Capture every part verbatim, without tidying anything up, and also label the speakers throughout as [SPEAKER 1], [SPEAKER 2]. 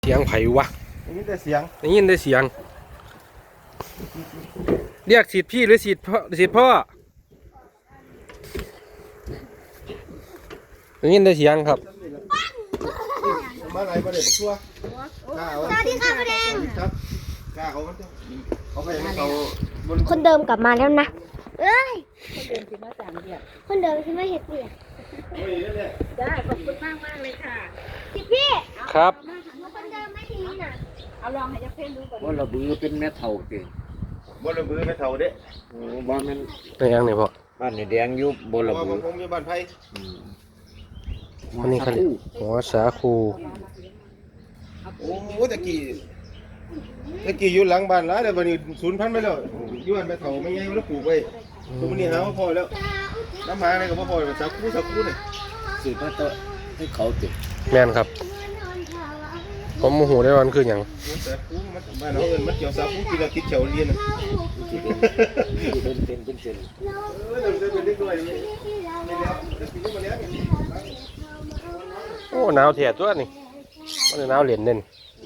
[SPEAKER 1] เสียงไผวะ
[SPEAKER 2] ได้ยินแต่เสียง
[SPEAKER 1] ได้ยินได้เสียงเรียกสิทธิ์พี่หรือสิทธิ์พ่อสิทธิ์พ่อได้ยินได้เสียงครับ
[SPEAKER 2] มาอะไรมาเด็กชัวสวัสดีค่ะพ่อแดงครับกล้าเขาเขาไปให้เขา
[SPEAKER 3] คนเดิมกลับมาแล้วนะเอ้ยคนเดิมคิดว่าสามเดียบคนเดิมคิดว่าเห็ดเดียบ
[SPEAKER 4] ได้ขอบคุณมากมากเลยค่ะ
[SPEAKER 3] พี่พี่
[SPEAKER 1] ครับ
[SPEAKER 3] คนเดิมไม่ทีนี้น่ะ
[SPEAKER 4] เอาลองให้ยักษ์เพ่นดูก่อน
[SPEAKER 5] ว่าระบือเป็นแม่เท่าเก่ง
[SPEAKER 2] บ่ระบือแม่เท่าเด้
[SPEAKER 5] โอ้บ้านมัน
[SPEAKER 1] เป็นยังไงพ่อ
[SPEAKER 5] บ้านนี่แดงยุบบ่ระบือ
[SPEAKER 2] ผมอยู่บ้านไผ่
[SPEAKER 1] อันนี้เขาหัวสาคู
[SPEAKER 2] โอ้ตะกี้ตะกี้อยู่หลังบ้านแล้วเดี๋ยววันนี้ศูนย์พันไปแล้วอยู่บ้านแม่เท่าไม่ใหญ่แล้วปลูกไว้ตรงนี้หาว่าพอแล้วน้ำหาอะไรก็พอๆสักคู่สักคู่นี่
[SPEAKER 5] สืบมาต่อให้เขาติด
[SPEAKER 1] แม่นครับผมโมโหได้วันคืออย่าง
[SPEAKER 2] สักคู่มันบ้านเราเอิ้นมันเกี่ยวสักคู่ที่เราติดเขียวเรียนน่ะ
[SPEAKER 5] เป็นเป็นเป็นเส้น
[SPEAKER 2] เออเดี๋ยวเป็นเด็กด้วยนี่แล้วจะกินมาแล้ว
[SPEAKER 1] โอ้หนาวแท้ตัวนี่มันหนาวเหรียญเด่น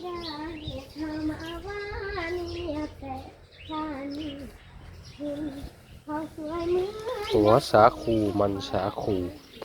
[SPEAKER 1] หัวสาคูมันสาคู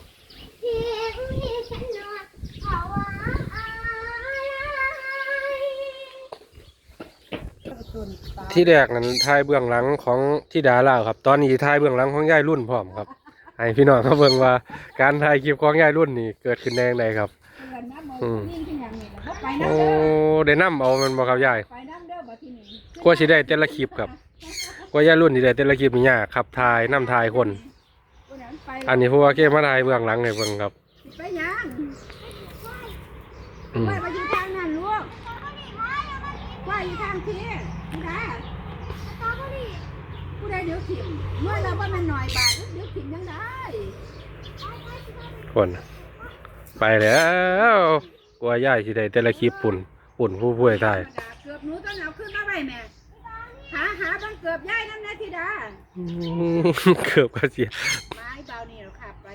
[SPEAKER 1] ที่แรกนั้นถ่ายเบื้องหลังของที่ดาราครับตอนนี้ถ่ายเบื้องหลังของยายรุ่นพร้อมครับให้พี่น้องเขาเบิ่งว่าการถ่ายคลิปของยายรุ่นนี่เกิดขึ้นได้ยังไงครับอืมโอ้ได้นำเอามันบ่ครับยายกว่าสิได้แต่ละคลิปครับกว่ายายรุ่นสิได้แต่ละคลิปนี่ยากครับถ่ายนำถ่ายคนอันนี้พวกเก็บมาถ่ายเบื้องหลังให้เบิ่งครับ
[SPEAKER 4] ไปยัง
[SPEAKER 1] อืม
[SPEAKER 4] ไปอยู่ทางนั้นลูกว่าอยู่ทางที่ผู้ใดผู้ใดเดี๋ยวถิ่มเมื่อเราว่ามันหน่อยบาทเดี๋ยวถิ่มยังได้
[SPEAKER 1] คนไปแล้วกลัวยายสิได้แต่ละคลิปปุ่นปุ่นผู้ป่วยถ่าย
[SPEAKER 4] เกือบหนูต้องเอาขึ้นมาไว้แม่หาหาบังเกือบย่ายนั่นนะธิดา
[SPEAKER 1] เกือบก็เสีย
[SPEAKER 4] ไม้เบานี่เราขับไป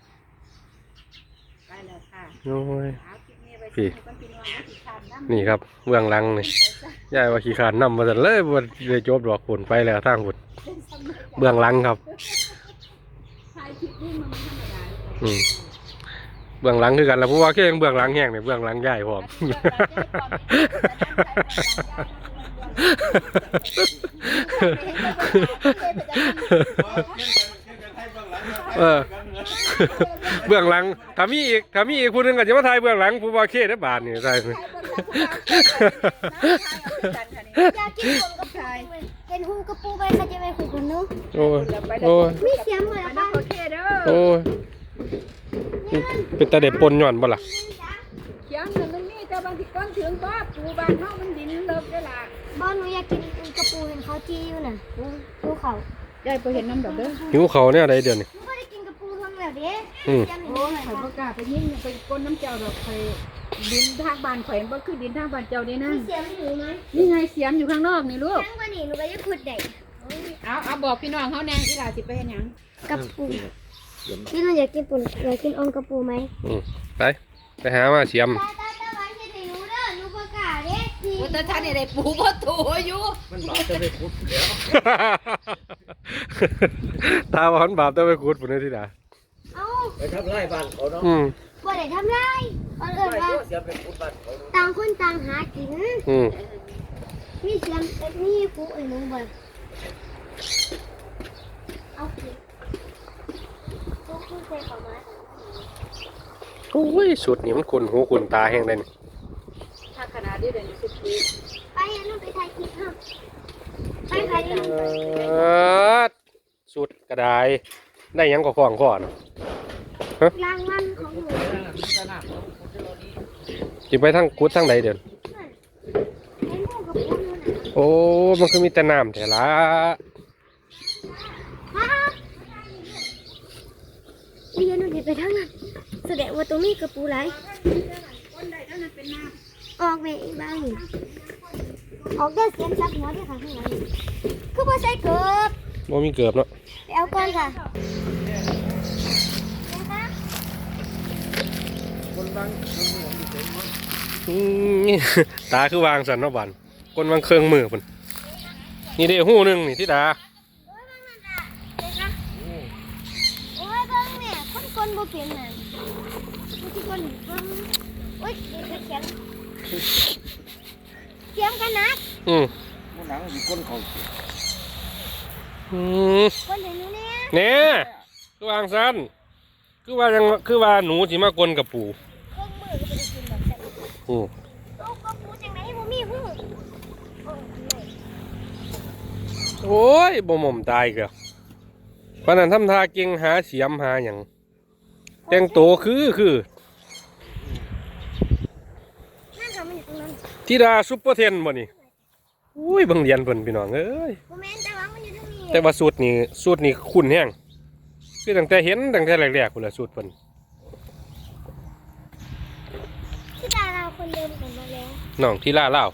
[SPEAKER 4] ไปแล้วค่ะ
[SPEAKER 1] โอ้ย
[SPEAKER 4] พี่
[SPEAKER 1] นี่ครับเบื้องหลังนี่ยายว่าขี้ขานนำมาแต่เลยว่าเลยจบดอกผลไปแล้วทางผลเบื้องหลังครับอืมเบื้องหลังคือกันแล้วเพราะว่าแค่เบื้องหลังแห้งเนี่ยเบื้องหลังใหญ่พร้อมเออเบื้องหลังถ้ามีอีกถ้ามีอีกคนนึงก็จะมาถ่ายเบื้องหลังผู้ว่าเคได้บาทนี่ใช่ไหม
[SPEAKER 3] อยากกินคนกับชายเห็นหูกระปูไปเขาจะไปคุยกันนู้
[SPEAKER 1] โอ้ยโอ้ย
[SPEAKER 3] มีเสียงเลยนะ
[SPEAKER 1] โอ้ยเป็นตาเด็ดปนหย่อนบ่ล่ะ
[SPEAKER 4] เสียงเงินมันนี่แต่บางทีก้อนถึงก็ปูบานเขามันดินเลิกได้ละ
[SPEAKER 3] บ้านหนูอยากกินกระปูเห็นเขาจี้อยู่น่ะดูเขา
[SPEAKER 4] ได้ไปเห็นน้ำดอกเด้อ
[SPEAKER 1] หิวเขาเนี่ยอะไรเดี๋ยวนี้
[SPEAKER 3] ไม่ได้กินกระปูทั้งแบบนี้
[SPEAKER 1] อืม
[SPEAKER 4] โอ้ยข่อยประกาศไปยิ่งไปก้นน้ำเจ้าดอกไข่ดินทางบ้านข่อยบ่คือดินทางบ้านเจ้านี่นะ
[SPEAKER 3] มีเสียงหนูไหม
[SPEAKER 4] นี่ไงเสียมอยู่ข้างนอกนี่ลูก
[SPEAKER 3] ทั้งวันนี้หนูก็จะขุดเด็ก
[SPEAKER 4] เอาเอาบอกพี่น้องเขาแน่อีหลาสิไปเห็นยัง
[SPEAKER 3] กระปูพี่น้องอยากกินปุ่นอยากกินอมกระปูไหม
[SPEAKER 1] อืมไปไปหามาเสียม
[SPEAKER 4] ว่าแต่ท่านนี่ได้ปูบ่ตัวอยู่
[SPEAKER 5] มันบาปจะไปขุดแล้ว
[SPEAKER 1] ตาหวานบาปจะไปขุดปุ่นนี่ที่ไหน
[SPEAKER 5] ไปทำไรบ้านเขาเนาะ
[SPEAKER 3] อืมบ่ได้ทำไรเอิ้นว่าต่างคนต่างหากิน
[SPEAKER 1] อืม
[SPEAKER 3] มีเสียงมีปูไอ้หนูบ่เอาสิปูคุณใส่เข้ามา
[SPEAKER 1] โอ้ยสุดนี่มันขุ่นหูขุ่นตาแห้งเลยนี่
[SPEAKER 4] ถ้าขนาดนี้เดี๋ยวนี้สิบปี
[SPEAKER 3] ไปนั่นไปถ่ายคลิปครับไปไป
[SPEAKER 1] สุดกระไดได้ยังก็คล้องข้อนะ
[SPEAKER 3] ฮะรางวัลของหนู
[SPEAKER 1] จิไปทั้งกุดทั้งใดเดี๋ยวโอ้มันคือมีแต่น้ำแต่ละ
[SPEAKER 3] เรียนหนูจะไปทั้งนั้นแสดงว่าตรงนี้กระปูไรออกไปอีกบ้างออกได้เสียงซับหัวที่ขาข้างหลังคือพอใส่เกือบ
[SPEAKER 1] โมมีเกือบเนาะ
[SPEAKER 3] ไปเอาก่อนค่ะ
[SPEAKER 5] คนดังคนหัวมีเต็มมั้ง
[SPEAKER 1] อืมตาคือวางสันเนาะบันก้นวางเครื่องมือพุ่นนี่เด้หู้หนึงนี่ที่ดา
[SPEAKER 3] โอ้ยเบิ่งเนี่ยคนกลบ่เป็นน่ะคนที่กลเบิ่งโอ้ยเดี๋ยวเขียนเขียนกันนะ
[SPEAKER 1] อืม
[SPEAKER 5] มันหนังอยู่ก้นเขา
[SPEAKER 1] อืม
[SPEAKER 3] คนเดี๋ยวนี้เนี่ย
[SPEAKER 1] เนี่ยคือวางสันคือว่ายังคือว่าหนูสิมากลกับปู่
[SPEAKER 3] เครื่องมือก็ไปกินแบบนั้น
[SPEAKER 1] อืม
[SPEAKER 3] เอากระปูจังไหนบ่มีหูโอ้ย
[SPEAKER 1] โอ้ยบ่หม่อมตายเกแล้วปานนั้นทำท่าเก่งหาเสียมหาหยังแต่งโตวคือคือ
[SPEAKER 3] นั่นค่ะมันอยู่ตรงนั้น
[SPEAKER 1] ธิดาซุปเปอร์เทนบ่นี่อุ้ยเบิ่งเรียนเพิ่นพี่น้องเอ้ย
[SPEAKER 3] บ่แม่นแต่ว่ามันอยู่ตรงนี้
[SPEAKER 1] แต่ว่าสูตรนี่สูตรนี่คุ้นแฮงคือตั้งแต่เห็นตั้งแต่แรกๆพุ่นล่ะสูตรเพิ่น
[SPEAKER 3] ที่ดาราคนเดิมกลับมาแล้ว
[SPEAKER 1] น้องที่ล่าเล่าว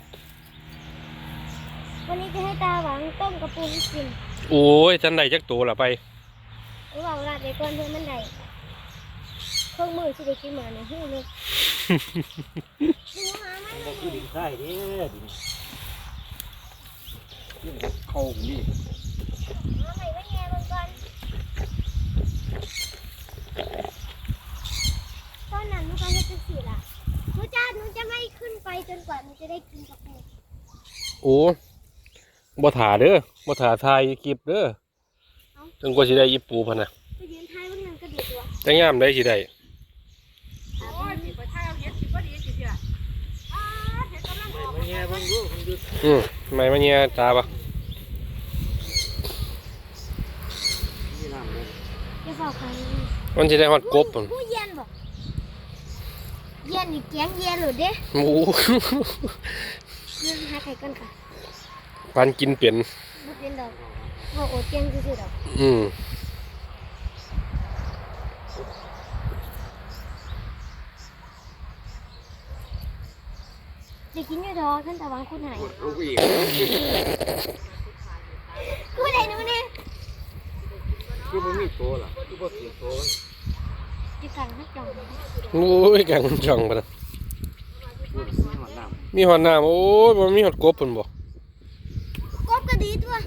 [SPEAKER 3] วันนี้จะให้ตาหวังต้มกระปูให้กิน
[SPEAKER 1] โอ้ยทันได้จักโตล่ะไป
[SPEAKER 3] หรือว่าลาดไปก่อนเพื่อมันได้เครื่องมือที่ได้กินเหมือนในหูเลยดูหามัน
[SPEAKER 5] บ่คือดินทรายเด้ดินดินเข้านี่
[SPEAKER 3] หาใหม่ไว้แง่เบิ่งก่อนตอนนั้นหนูก็เฮ็ดจังซี่ล่ะหนูจะหนูจะไม่ขึ้นไปจนกว่าหนูจะได้กินกระปู
[SPEAKER 1] โอ้บ่ถ่าเด้อบ่ถ่าถ่ายคลิปเด้อจนกว่าสิได้อีปูพุ่นน่ะ
[SPEAKER 3] ไปยืนท้ายมันนั่นก็ดีตัว
[SPEAKER 1] แต่ยามได้สิได้
[SPEAKER 4] โอ้ยสิบ่ท้ายเอาเฮ็ดสิบ่ดีสิเด้ออ้าเฮ็ดกำลังออก
[SPEAKER 5] มันแย่มันดูมันดู
[SPEAKER 1] อืมไม่มาเนี่ยตาปะ
[SPEAKER 5] นี่น้ำเลย
[SPEAKER 3] อย่าเฝ้าใคร
[SPEAKER 1] มันจะได้ฮอดกบพุ่น
[SPEAKER 3] ผู้เย็นบ่เย็นนี่แกงเย็นหรือเด้
[SPEAKER 1] หมู
[SPEAKER 3] เย็นหาไข่กันค่ะ
[SPEAKER 1] ปันกินเป็น
[SPEAKER 3] บ่เป็นดอกบ่โอดเจียงซื่อๆดอก
[SPEAKER 1] อืม
[SPEAKER 3] ได้กินอยู่ดอกท่านตะวังคุณหาย
[SPEAKER 5] ลูกอีก
[SPEAKER 3] กูได้หนูเนี่ย
[SPEAKER 5] คือมันมีตัวล่ะคือบ่เสียตัวมัน
[SPEAKER 3] จะสั่งให้จอง
[SPEAKER 1] โอ้ยแกงจ่องปะนะ
[SPEAKER 5] พูดมีหอดน้ำ
[SPEAKER 1] มีหอดน้ำโอ้ยบ่มีหอดกบพุ่นบ่
[SPEAKER 3] กบก็ดีตัว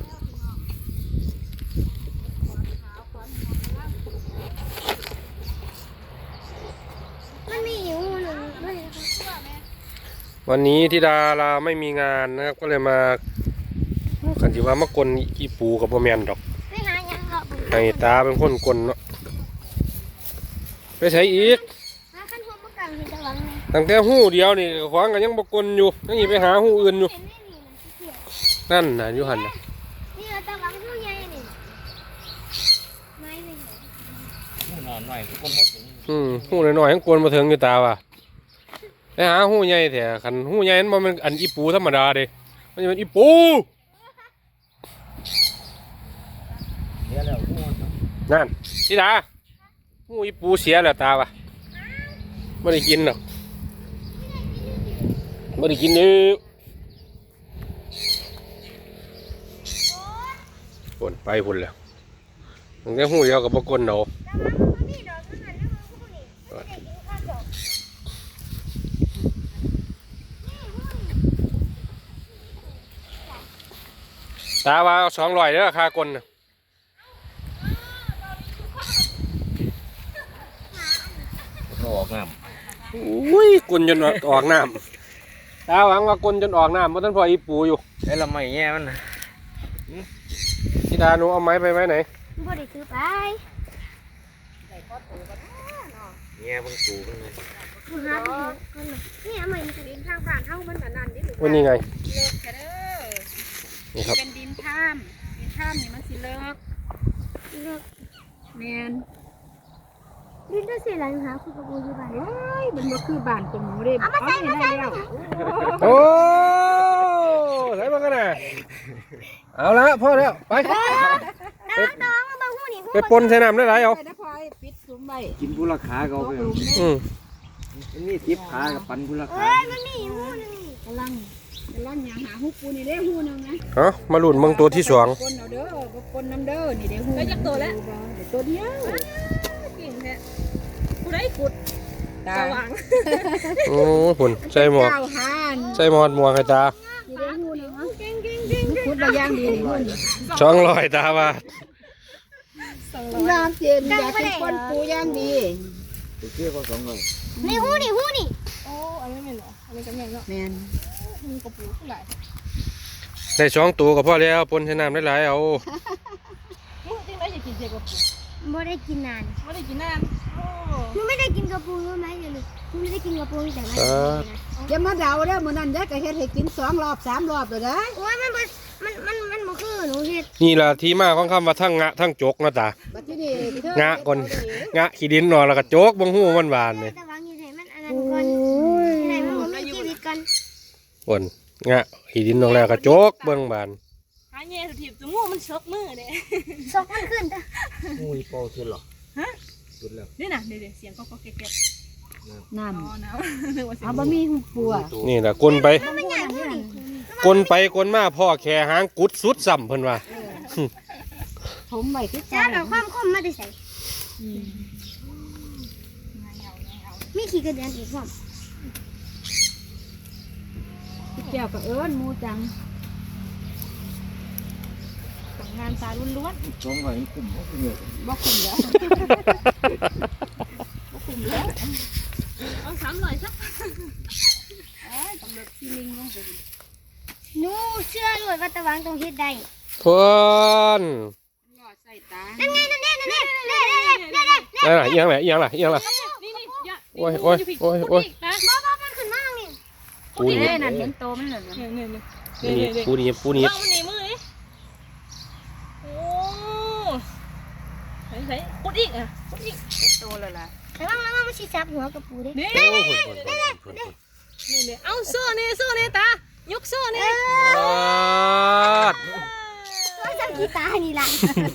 [SPEAKER 3] มันมีอยู่หนึ่งด้วยนะคะ
[SPEAKER 1] วันนี้ที่ดาราไม่มีงานนะครับก็เลยมาคันสิว่ามากลอีปูกับบ่แม่นดอก
[SPEAKER 3] ไปหายังเหรอ
[SPEAKER 1] ให้ตาเป็นคนกลเนาะไปใช้อีก
[SPEAKER 3] หาขั้นหัวมะกังเห็นตะวังไหม
[SPEAKER 1] ตั้งแต่หู้เดียวนี่ขวางกันยังบ่กลอยู่ยังอีไปหาหู้อื่นอยู่
[SPEAKER 3] เห็นไหมนี่มันเขียว
[SPEAKER 1] นั่นน่ะอยู่หั่นน่ะ
[SPEAKER 3] นี่เราตะวังผู้ใหญ่นี่ไม้ไม่เห็น
[SPEAKER 5] หนอนหน่อยคนมาถึง
[SPEAKER 1] อืมหู้น้อยๆยังกลบ่ถึงอยู่ตาว่ะไปหาหู้ใหญ่แท้คันหู้ใหญ่มันบ่แม่นอันอีปูธรรมดาเด้มันจะเป็นอีปู
[SPEAKER 5] เดี๋ยวแล้วพูด
[SPEAKER 1] นั่นที่ดาหู้อีปูเสียแล้วตาว่ะบ่ได้กินหรอกบ่ได้กินเด้อพุ่นไปพุ่นแล้วตั้งแต่หู้เดียวก็บ่กลดอก
[SPEAKER 3] ตะวังมันมีดอกนั่นน่ะแล้วมันผู้นี่ไม่ได้กินข้าวดอก
[SPEAKER 1] ตาว่าเอาสองร้อยเด้อค่ากลน่ะ
[SPEAKER 5] เขาออกน้
[SPEAKER 1] อุ้ยกลจนออกน้ำตาหวังว่ากลจนออกน้ำเพราะท่านพ่ออีปูอยู่
[SPEAKER 5] ำไอ้ละไม่แย่มันนะ
[SPEAKER 1] ที่ดาหนูเอาไม้ไปไว้ไหน
[SPEAKER 3] บ่ได้ซื้อไป
[SPEAKER 5] แย่มันสูงมันเลย
[SPEAKER 3] กูหาไปเถอะคนน่ะนี่เอาใหม่มันจะ
[SPEAKER 4] ดินทางบ้านเฮามันน่ะนั่นนี่หรือ
[SPEAKER 1] วันนี้ไง
[SPEAKER 4] เลิกแค่เด้อ
[SPEAKER 1] นี่ครับ
[SPEAKER 4] เป็นดินท่ามดินท่ามนี่มันสิเลิก
[SPEAKER 3] เลิก
[SPEAKER 4] แม่น
[SPEAKER 3] ดินจะเสียหลังหาคุณกระปูอยู่บ้าน
[SPEAKER 4] โอ้ยมันบ่คือบ้านตรงหนูเด้
[SPEAKER 3] เอามาใส่
[SPEAKER 4] นี่
[SPEAKER 3] มาใส่
[SPEAKER 4] ได้แล้ว
[SPEAKER 1] โอ้ใส่มากันนะเอาละพ่อแล้วไป
[SPEAKER 3] น้องน้องมาบังหูนี่หู
[SPEAKER 1] ไปปนใส่น้ำได้ไรเอา
[SPEAKER 4] ไปนะพลอยปิดซุ้มไว้
[SPEAKER 5] กินผู้ราคาเขาไป
[SPEAKER 4] ตกหลุมเด้
[SPEAKER 1] อืม
[SPEAKER 5] มันนี่ทิพขากับปันผู้ราคา
[SPEAKER 3] เอ้ยมันมีหูหนึงนี่
[SPEAKER 4] กำลังกำลังหยังหาฮู้ปูนี่เด้ฮู้หนึงนะ
[SPEAKER 1] เอามาลุ้นเบิ่งตัวที่สอง
[SPEAKER 4] กลเอาเด้อบ่กลน้ำเด้อนี่เด้ฮู้ได้จักตัวแล้วตัวเดียวเก่งแท้ผู้ใดขุดตตา
[SPEAKER 1] โอ้หุ่นใส่หมวก
[SPEAKER 4] เจ้าหาน
[SPEAKER 1] ใส่หมวกหมวกให้ตา
[SPEAKER 4] สิได้ฮู้เนาะเก่งๆๆพูดมาอย่างดีนี่หุ่น
[SPEAKER 1] ช่องลอยตาว่า
[SPEAKER 4] น้ำเจนอยากเป็นคนปูอย่างดี
[SPEAKER 5] ไปเที่ยวก็สองหน่อย
[SPEAKER 3] นี่หูนี่หูนี่
[SPEAKER 6] โอ้อันนี้ไม่เหรออันนี้ก็แม่นเนาะ
[SPEAKER 4] แม่น
[SPEAKER 6] มีกระปูเท่าไหร่
[SPEAKER 1] ได้สองตัวก็พอแล้วปนใช้น้ำหลายๆเอา
[SPEAKER 6] มึงจริงได้จะกินเจียวกระปู
[SPEAKER 3] บ่ได้กินนาน
[SPEAKER 6] ไม่ได้กินนานโอ้
[SPEAKER 3] หนูไม่ได้กินกระปูรู้ไหมเดี๋ยวนี้หนูไม่ได้กินกระปูตั้งแต่วัน
[SPEAKER 1] เอ
[SPEAKER 3] นี้
[SPEAKER 1] อ
[SPEAKER 3] นะ
[SPEAKER 4] อย่ามาเดาเด้อมื้อนั้นยายก็เฮ็ดให้กินสองรอบสามรอบเลยเด้อ
[SPEAKER 3] โอ้ยมันบ่มันมันมันบ่คือหนูเฮ็ด
[SPEAKER 1] นี่ล่ะที่มาของคำว่าทั้งงะทั้งจกเนาะตา
[SPEAKER 4] บัดทีนี้เธอง
[SPEAKER 1] ะก่อนงะขี้ดินเนาะแล้วก็จกบ่ฮู้มันหวานนี่
[SPEAKER 3] แต่วางอยู่ไหนมันอันนั้นก่อนไหนมันบ่มีชีวิตก่อน
[SPEAKER 1] ปนงะขี้ดินลงแล้วก็จกเบิ่งบาน
[SPEAKER 6] หาแง่สุดทีบจมูกมันชกมือเด้
[SPEAKER 3] ซอกมันขึ้นจ้ะ
[SPEAKER 5] งูอีโปสุดหรอ
[SPEAKER 6] ฮะ
[SPEAKER 5] สุดแล้ว
[SPEAKER 6] นี่น่ะเดี๋ยวๆเสียงก็ก็แก๊ก
[SPEAKER 4] น้
[SPEAKER 6] ๆอ๋อน้ำนึกว่า
[SPEAKER 4] ำ
[SPEAKER 6] เสีย
[SPEAKER 4] เอา
[SPEAKER 6] ง
[SPEAKER 4] บะหมี่ปูอ่ะ
[SPEAKER 1] นี่ล่ะกลนไป
[SPEAKER 3] มันใหญ่หูนี่
[SPEAKER 1] กลไปกลมาพ่อแค่หางกุดสุดซ้ำเพิ่นว่า
[SPEAKER 4] ผมไว้ที่
[SPEAKER 3] จ้า
[SPEAKER 4] จ้า
[SPEAKER 3] เอาความคมมาได้ใส่มีขี้กระเดือนอีกพร้อม
[SPEAKER 4] แก้วก็เอิ้นหมูจัง
[SPEAKER 6] งานตาล้วน
[SPEAKER 5] สองหน่อยคุ้มบ่เนี่ย
[SPEAKER 4] บ่คุ้มแล้ว
[SPEAKER 6] ๆเอาสามหน่อยสัก
[SPEAKER 3] หนูเชื่อเลยว่าตะวางตรงเฮ็ดได้
[SPEAKER 1] เพิ่น
[SPEAKER 4] หลอดใส่ตา
[SPEAKER 3] นั่นไงนั่นแน่นั่นแน่นั่นแน่นั่นแน่นั่นแน่
[SPEAKER 1] นั่นล่ะอีหยังล่ะอีหยังล่ะอีหยังล่ะ
[SPEAKER 6] นี่นี่อย่า
[SPEAKER 1] โอ้ยโอ้ยโอ้ยโอ้ย
[SPEAKER 6] นะ
[SPEAKER 3] บ่บ่มันขึ้นมาทางนี้
[SPEAKER 1] ปูนี่
[SPEAKER 4] เด้นั่นเห็นโตมันเหรอ
[SPEAKER 6] เนี่ยเนี่ยเนี่ย
[SPEAKER 1] ปูนี่
[SPEAKER 6] เนี่ยเนี่ย
[SPEAKER 1] ปูนี่ปูนี่
[SPEAKER 6] ว่ามันหนีมือดิโอ้ใส่ใส่ปุดอีกอ่ะปุดอีก
[SPEAKER 4] โตแล้วล่ะ
[SPEAKER 3] ระวังระวังมันสิจับหัวกระปูเด้
[SPEAKER 6] นี่
[SPEAKER 1] โอ้ยเพิ่นเพิ่นเพิ่นเพิ่น
[SPEAKER 6] นี่เนี่ยเอาโซ่เนี่ยโซ่เนี่ยตายกโซ่เนี่ย
[SPEAKER 1] ปาด
[SPEAKER 3] ตัวจับกีตาร์นี่ล่ะ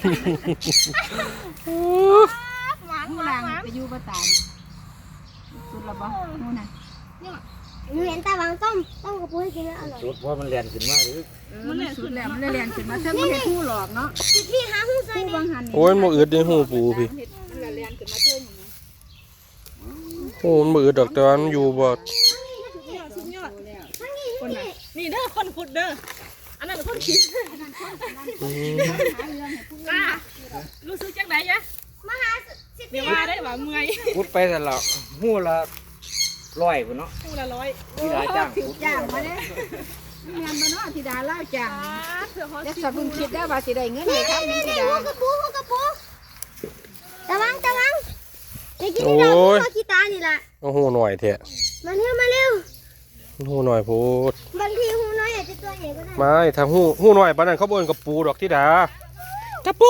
[SPEAKER 6] หวาน
[SPEAKER 4] หู
[SPEAKER 6] หวาน
[SPEAKER 4] นาง
[SPEAKER 6] หวาน
[SPEAKER 4] ไปอยู่บ่ตายสุดละบ่หูน่ะ
[SPEAKER 3] หนูเห็นตะวางต้มต้มกระปูให้กินแล้วอร่อย
[SPEAKER 5] สุดเพราะมันแล่นขึ้นมาหรือ
[SPEAKER 4] มันสุดแล้วมันเลยเรียนขึ้นมาเธอบ่เฮ็ดหูหลอกเนาะ
[SPEAKER 3] พี่หาหูใส่
[SPEAKER 4] หู
[SPEAKER 3] นี่
[SPEAKER 4] บางหันนี่
[SPEAKER 1] โอ้ยมันบ่อึดในหูปูพี่
[SPEAKER 4] มันเลยเรียนขึ้นมาเทิงอย่างนี้
[SPEAKER 1] โอ้มันบ่อึดดอกแต่ว่ามันอยู่บ่
[SPEAKER 6] สุดยอดคนไหนนี่เด้อคนขุดเด้ออันนั้นเป็นคนคิด
[SPEAKER 1] อืม
[SPEAKER 6] กล้ารู้สึกจังไหนยะ
[SPEAKER 3] มาหาสิ
[SPEAKER 6] เดี๋ยวว่าได้ว่าเมื่อย
[SPEAKER 5] พุดไปแต่ละหูละร้อยพุ่นเนาะ
[SPEAKER 6] คู่ละร้อย
[SPEAKER 5] ที่หลายจ้าง
[SPEAKER 4] ถือจ้างมาเด้งานบ่เนาะธิดาเล่าจ้าง
[SPEAKER 6] เผื่อเขา
[SPEAKER 4] แล้วสะเพิ่งคิดได้ว่าสิได้เงินให้ครับนี่ธิดา
[SPEAKER 3] หูกระปูหูกระปูตะวางตะวางเดี๋ยวกินที่เราหูกีตาร์นี่ล่ะ
[SPEAKER 1] เอาหูหน่อยเถอะ
[SPEAKER 3] มาเร็วมาเร็ว
[SPEAKER 1] หูหน่อยโพด
[SPEAKER 3] บางทีหูน้อยอาจจะตัวใหญ่ก็ได้
[SPEAKER 1] ไม่ทางหูหูหน่อยปานนั้นเขาบ่เอิ้นกับปูดอกที่ดากระปู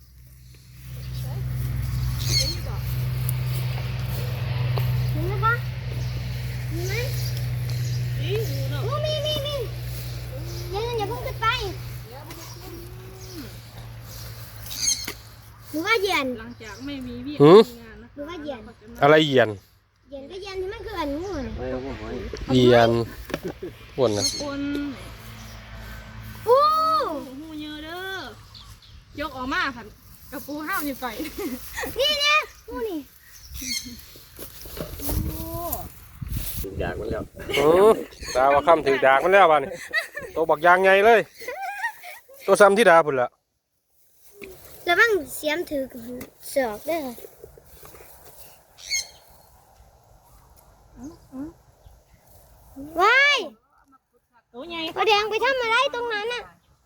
[SPEAKER 3] เห็นไหมคะเห็นไหม
[SPEAKER 6] อีหูเนาะ
[SPEAKER 3] โอ้มีมีมีอย่าอย่าเพิ่งขึ้นไปหรือว่าเหยียน
[SPEAKER 6] หลังจากไม่มีเวียก
[SPEAKER 1] หือ
[SPEAKER 6] มีงานนะ
[SPEAKER 3] หรือว่าเหยียน
[SPEAKER 1] อะไรเหยียน
[SPEAKER 3] เหยียนก็เหยียนที่มันคืออันงูน่ะ
[SPEAKER 5] ไม่เอาบ่หอย
[SPEAKER 1] เหยียนปวนน่ะ
[SPEAKER 6] คน
[SPEAKER 3] อู้
[SPEAKER 6] หูเยอะเด้อยกออกมาค่ะกระปูห้าวนี่ไป
[SPEAKER 3] นี่เนี่ยงูนี่
[SPEAKER 5] ถึงอยากมันแล้ว
[SPEAKER 1] อือตาว่าค่ำถือดากมันแล้วบาดนี้ตัวบักยางใหญ่เลย ตัวซ้ำที่ดาพุ่นล่ะ
[SPEAKER 3] ระวังเสียมถือเสือกเด้อว้าย
[SPEAKER 6] ตัวใหญ่
[SPEAKER 3] กระแดงไปทำอะไรตรงนั้นน่ะ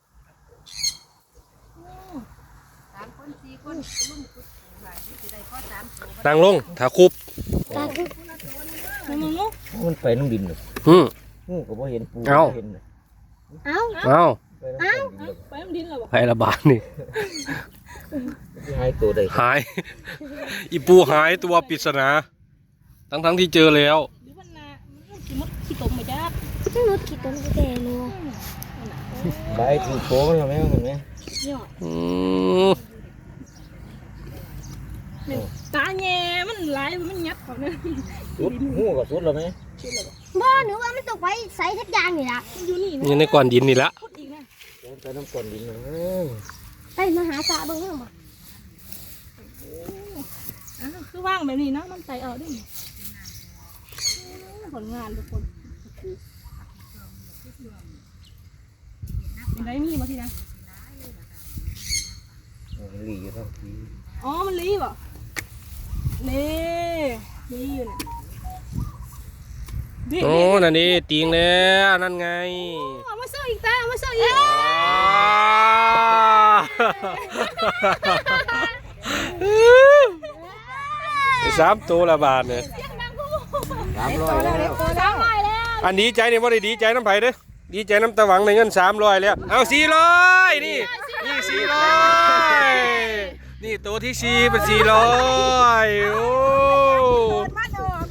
[SPEAKER 4] สามคนสี่คนรุ่นกุดหลายสิได้พอสามตัว
[SPEAKER 1] นางลงถ้าคุบ
[SPEAKER 3] ตาคือ
[SPEAKER 6] งูงู
[SPEAKER 5] มันไปน้ำดินเลย
[SPEAKER 1] อือ
[SPEAKER 5] งูก็บ่เห็นปู
[SPEAKER 1] เอ้า
[SPEAKER 5] เห็นเลย
[SPEAKER 3] เอ้า
[SPEAKER 1] เอ้า
[SPEAKER 5] ไปน้ำดินเลย
[SPEAKER 6] ไปมันดินเหรอวะ
[SPEAKER 1] ไผละบาดนี่
[SPEAKER 5] ที่หายตัวได้
[SPEAKER 1] หาย อีปูหายตัวปริศนาทั้งทั้งๆที่เจอแล้ว
[SPEAKER 6] หรือมันนามันขี้มดขี้ตมมาจ้า
[SPEAKER 3] ต้องนุดขีดต้นกระแดงนัว
[SPEAKER 5] ใบถือโตมันแล้วแม่เห็นไหม
[SPEAKER 6] ยอด
[SPEAKER 1] อืม
[SPEAKER 6] ตาแง่มันหลายมันยัดเขาเนี่ย
[SPEAKER 5] สุดงูก็สุดแล้วไหม
[SPEAKER 3] บ่หนูว่ามันตกไว้ใส่ทักอย่างนี่ล่ะ
[SPEAKER 6] อยู่นี่
[SPEAKER 1] นี่ในก้อนดินนี่ละ
[SPEAKER 6] พูดอีกนะ
[SPEAKER 5] ไปน้ำก้อนดินเลย
[SPEAKER 3] ไปมาหาตาเบิ่งเบิ่งบ่
[SPEAKER 6] อ้าวคือว่างแบบนี้เนาะมันใส่เอาได้ผลงานทุกคนเป็นไรมีมาทีนะ
[SPEAKER 5] หลีเท่าที
[SPEAKER 6] อ๋อมันรีบอ่ะนี่นี่อยู่เนี่ย
[SPEAKER 1] โอ้นั่นนี่ติงแล้วนั่นไง
[SPEAKER 6] เอามาเสิร์ฟอีกตาเอามาเสิร์ฟอีก
[SPEAKER 1] สามตัวละบาทเนี่ย
[SPEAKER 5] สามร้อยแล้ว
[SPEAKER 6] สามร้อยแล้ว
[SPEAKER 1] อันดีใจเนี่ยว่าได้ดีใจน้ำไผ่เด้อดีใจน้ำตะหวังในเงินสามร้อยแล้วเอาสี่ร้อยนี่นี่สี่ร้อยนี่ตัวที่สี่เป็นสี่ร้อยโอ้
[SPEAKER 4] มันออก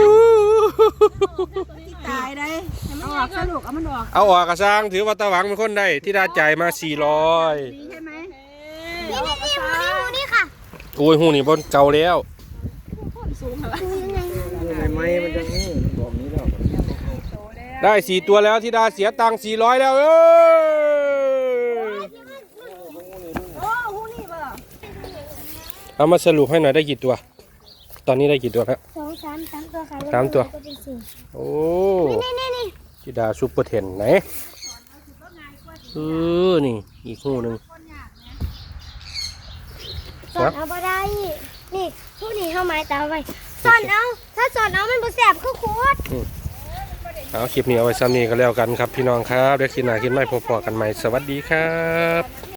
[SPEAKER 4] ตายได้เอาออกสนุกเอามันออก
[SPEAKER 1] เอาออกกระซังถือว่าตะหวังเป็นคนได้ที่ได้จ่ายมาสี่ร้อย
[SPEAKER 4] ดีใช่ไหม
[SPEAKER 3] นี่นี่นี่หูนี่หูนี่ค่ะ
[SPEAKER 1] โอ้ยหูนี่บนเก่าแล้ว
[SPEAKER 6] สูงเหรอ
[SPEAKER 5] ในไม้มันจะงูบอกนี้แล้ว
[SPEAKER 1] ได้สี่ตัวแล้วที่ดาเสียตังค์สี่ร้อยแล้วเอ้ย
[SPEAKER 6] โอ้หูนี่ป่ะ
[SPEAKER 1] เอามาสรุปให้หน่อยได้กี่ตัว ตอนนี้ได้กี่ตัวแล้ว
[SPEAKER 3] สองสามสามตัวค่ะ
[SPEAKER 1] สามตัว
[SPEAKER 3] ก็เป็นสี่
[SPEAKER 1] โอ้
[SPEAKER 3] นี่นี่นี่
[SPEAKER 1] ธิดาซุปเปอร์เทนไหนเออนี่อีกหูหนึ่ง
[SPEAKER 3] สอนเอาบ่ได้นี่ผู้นี่เข้าไม้ตาไว้สอนเอาถ้าสอนเอามันบ่แสบคือขวด
[SPEAKER 1] เอาคลิปนี้เอาไว้ซ้ำนี้ก็แล้วกันครับพี่น้องครับเดี๋ยวคลิปหน้าคลิปใหม่พบกันใหม่สวัสดีครับ